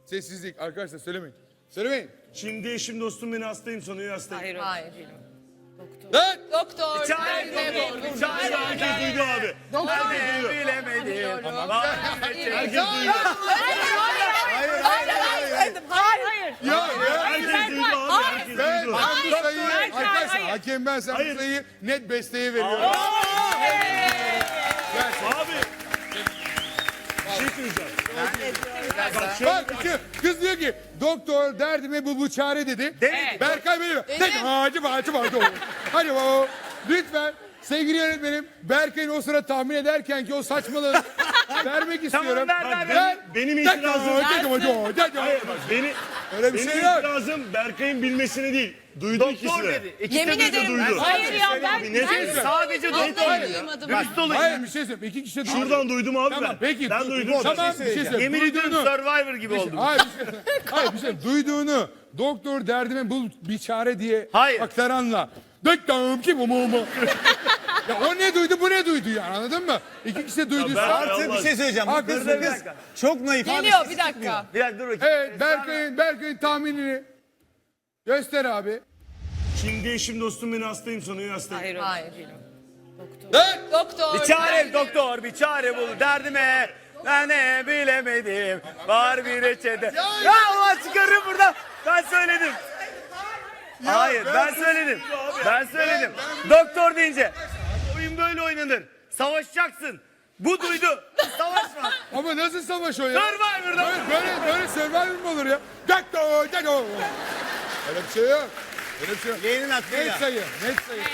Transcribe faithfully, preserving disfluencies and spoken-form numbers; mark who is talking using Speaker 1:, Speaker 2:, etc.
Speaker 1: Sessizlik. Arkadaşlar söylemeyin. Söylemeyin.
Speaker 2: Şimdi eşim dostum beni hastayım sanıyor hastayım.
Speaker 3: Hayır.
Speaker 4: Hayır.
Speaker 1: Lan!
Speaker 4: Doktor.
Speaker 3: Çare doktor. Çare
Speaker 2: Herkes duydu abi. Herkes duydu.
Speaker 3: bilemedim.
Speaker 2: Herkes duydu.
Speaker 4: Hayır. Hayır.
Speaker 1: Ya ya.
Speaker 2: Herkes duydu abi. Herkes
Speaker 1: Ben,
Speaker 2: duydu.
Speaker 1: ben bu sayıyı,
Speaker 4: Berkay,
Speaker 1: arkadaşlar
Speaker 4: hayır.
Speaker 1: hakem ben sen
Speaker 2: Hayır.
Speaker 1: bu sayıyı net besteye veriyorum.
Speaker 2: Abi. Bir şey söyleyeceğim. Bak şöyle.
Speaker 1: Bak şu kız diyor ki doktor derdime bu bu çare dedi.
Speaker 3: Dedi.
Speaker 1: Berkay benim. Dedi. Hacı hacı hacı. Hadi o. Lütfen sevgili yönetmenim Berkay'ın o sıra tahmin ederken ki o saçmalığı vermek istiyorum.
Speaker 3: ver, ver,
Speaker 2: ver. Benim itirazım- Hayır bak beni
Speaker 1: Öyle bir
Speaker 2: benim
Speaker 1: şey yok.
Speaker 2: itirazım Berkay'ın bilmesini değil. Duydu ikisi de.
Speaker 3: dedi. İkisi
Speaker 4: Yemin
Speaker 2: de
Speaker 4: ederim.
Speaker 2: duydu.
Speaker 4: Hayır ya ben.
Speaker 2: Abi net söyle.
Speaker 3: Sadece doktor
Speaker 4: Vallahi
Speaker 3: dedi.
Speaker 4: duymadım.
Speaker 3: Dürüst olun.
Speaker 1: Hayır bir şey söyleyeyim. İki kişi de duydu.
Speaker 2: Şuradan duydum abi
Speaker 1: Tamam
Speaker 2: ben.
Speaker 1: peki.
Speaker 2: Ben
Speaker 1: du-
Speaker 2: duydum.
Speaker 1: Tamam bir şey söyleyeyim.
Speaker 3: Yemin ediyorum
Speaker 1: Duyduğunu-
Speaker 3: Survivor gibi oldum.
Speaker 1: Hayır bir şey, hayır bir şey duyduğunu doktor derdime bul bir çare diye
Speaker 3: Hayır.
Speaker 1: aktaranla döktüm ki bu mu mu? Ya o ne duydu bu ne duydu yani anladın mı? İki kişi de duyduysa.
Speaker 2: ben-
Speaker 5: Artı bir şey söyleyeceğim. Bu
Speaker 1: Haklısın.
Speaker 5: kız, kız çok naif. abi,
Speaker 4: Geliyor
Speaker 5: sesi
Speaker 4: bir dakika.
Speaker 5: çıkmıyor.
Speaker 3: Bir dakika dur bakayım.
Speaker 1: Evet Berkay'ın Berkay'ın tahminini göster abi.
Speaker 2: Şimdi eşim dostum beni hastayım sanıyor hastayım.
Speaker 4: Hayır. Hayır.
Speaker 1: Lan!
Speaker 4: Doktor.
Speaker 3: Bir çare doktor, bir çare bul derdime. Ben ne bilemedim. Var bir reçete. Ya Allah çıkarın buradan. Ben söyledim. Hayır ben söyledim. Ben söyledim. Doktor deyince. Oyun böyle oynanır. Savaşacaksın. Bu duydu. Savaşma.
Speaker 1: Ama nasıl savaş o ya?
Speaker 3: Survivor'da.
Speaker 1: Böyle böyle, böyle Survivor mu olur ya? Doktor doktor. Öyle bir şey yok. Öyle bir şey yok.
Speaker 5: Yeğenin hakkı
Speaker 1: Net
Speaker 5: ya.
Speaker 1: sayı, net sayı.